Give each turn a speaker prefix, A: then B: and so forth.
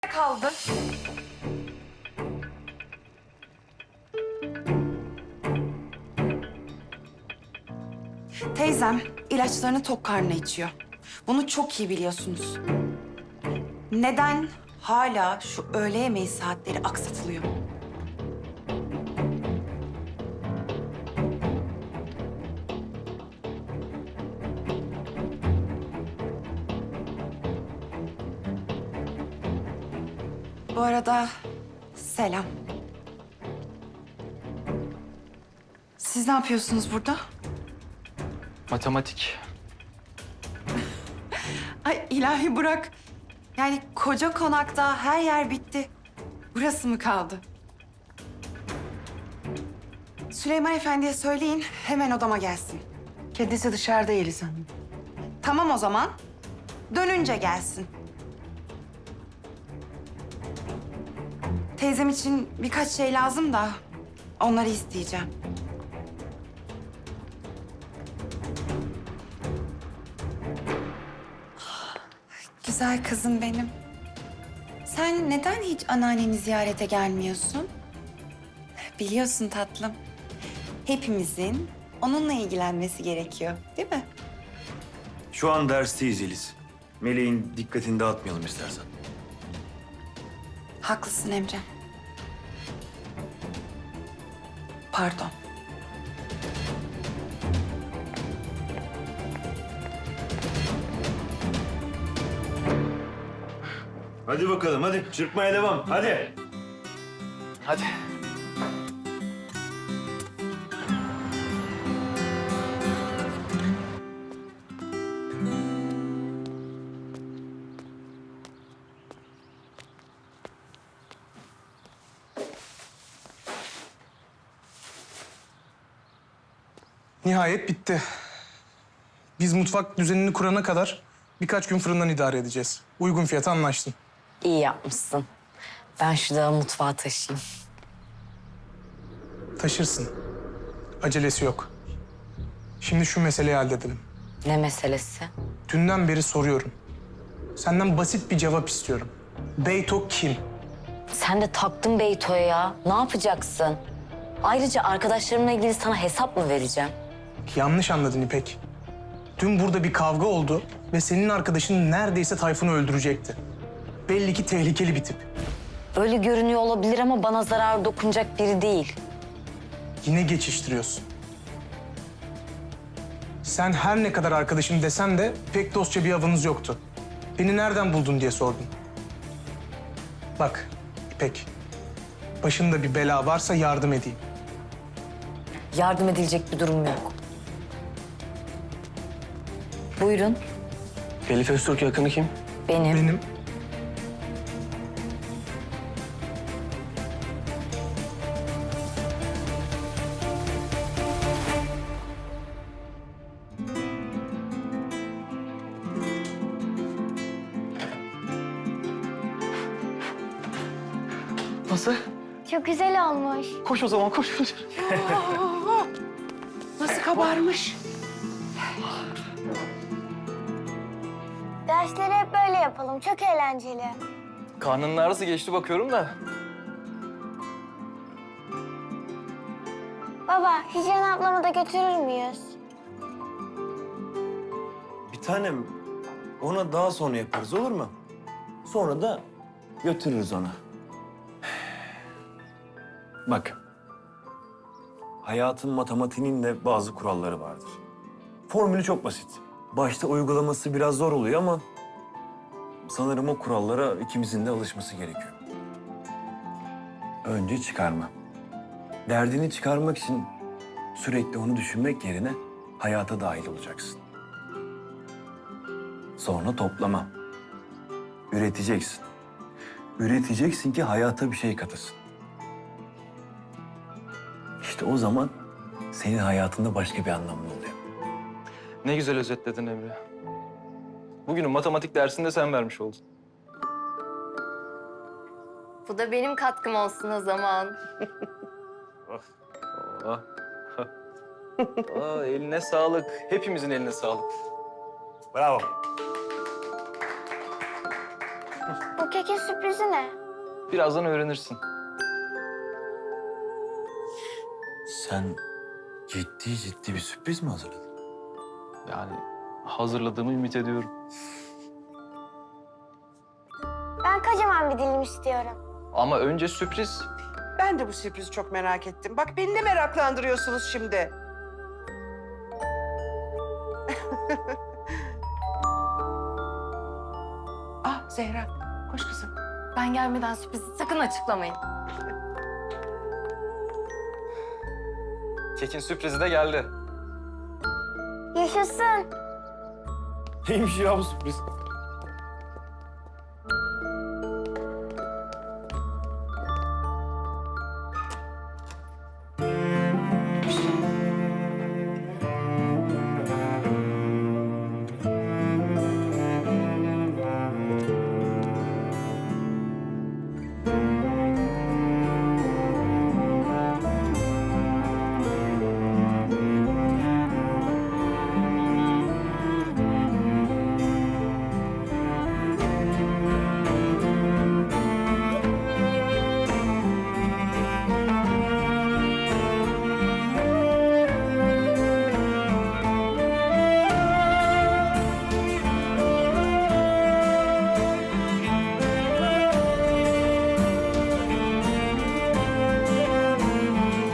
A: kaldı. Teyzem ilaçlarını tok karnına içiyor. Bunu çok iyi biliyorsunuz. Neden hala şu öğle yemeği saatleri aksatılıyor? Bu arada selam. Siz ne yapıyorsunuz burada?
B: Matematik.
A: Ay ilahi Burak. Yani koca konakta her yer bitti. Burası mı kaldı? Süleyman Efendi'ye söyleyin hemen odama gelsin.
C: Kendisi dışarıda Yeliz Hanım.
A: Tamam o zaman. Dönünce gelsin. Teyzem için birkaç şey lazım da onları isteyeceğim. Güzel kızım benim. Sen neden hiç anneanneni ziyarete gelmiyorsun? Biliyorsun tatlım. Hepimizin onunla ilgilenmesi gerekiyor, değil mi?
D: Şu an dersteyiz Yeliz. Meleğin dikkatini dağıtmayalım istersen.
A: Haklısın Emre. Pardon.
D: Hadi bakalım hadi. Çırpmaya devam. Hadi.
B: Hadi.
E: Nihayet bitti. Biz mutfak düzenini kurana kadar birkaç gün fırından idare edeceğiz. Uygun fiyata anlaştım.
F: İyi yapmışsın. Ben şu dağı mutfağa taşıyayım.
E: Taşırsın. Acelesi yok. Şimdi şu meseleyi halledelim.
F: Ne meselesi?
E: Dünden beri soruyorum. Senden basit bir cevap istiyorum. Beyto kim?
F: Sen de taktın Beyto'ya ya. Ne yapacaksın? Ayrıca arkadaşlarımla ilgili sana hesap mı vereceğim?
E: Yanlış anladın İpek. Dün burada bir kavga oldu ve senin arkadaşın neredeyse Tayfun'u öldürecekti. Belli ki tehlikeli bir tip.
F: Öyle görünüyor olabilir ama bana zarar dokunacak biri değil.
E: Yine geçiştiriyorsun. Sen her ne kadar arkadaşım desen de pek dostça bir avınız yoktu. Beni nereden buldun diye sordun. Bak İpek, başında bir bela varsa yardım edeyim.
F: Yardım edilecek bir durum yok. Buyurun,
B: Elif Öztürk yakını kim?
F: benim.
E: Benim
B: Nasıl?
G: Çok güzel olmuş.
B: Koş o zaman koş.
C: Nasıl kabarmış?
G: Dersleri hep böyle yapalım. Çok eğlenceli.
B: Karnının ağrısı geçti bakıyorum da.
G: Baba, Hicran ablamı da götürür müyüz?
D: Bir tanem ona daha sonra yaparız olur mu? Sonra da götürürüz ona. Bak. Hayatın matematiğinin de bazı kuralları vardır. Formülü çok basit. Başta uygulaması biraz zor oluyor ama sanırım o kurallara ikimizin de alışması gerekiyor. Önce çıkarma. Derdini çıkarmak için sürekli onu düşünmek yerine hayata dahil olacaksın. Sonra toplama. Üreteceksin. Üreteceksin ki hayata bir şey katasın. İşte o zaman senin hayatında başka bir anlamlı oluyor.
B: Ne güzel özetledin Emre. Bugünün matematik dersinde sen vermiş oldun.
H: Bu da benim katkım olsun o zaman.
B: Oh. Eline sağlık. Hepimizin eline sağlık.
D: Bravo.
G: Bu kekin sürprizi ne?
B: Birazdan öğrenirsin.
D: Sen ciddi bir sürpriz mi hazırladın?
B: Yani hazırladığımı ümit ediyorum.
G: Ben kocaman bir dilim istiyorum.
B: Ama önce sürpriz.
C: Ben de bu sürprizi çok merak ettim. Bak beni de meraklandırıyorsunuz şimdi. Ah Zehra, koş kızım.
H: Ben gelmeden sürprizi sakın açıklamayın.
B: Kekin sürprizi de geldi.
G: Yaşasın.
D: Neymiş ya bu sürpriz?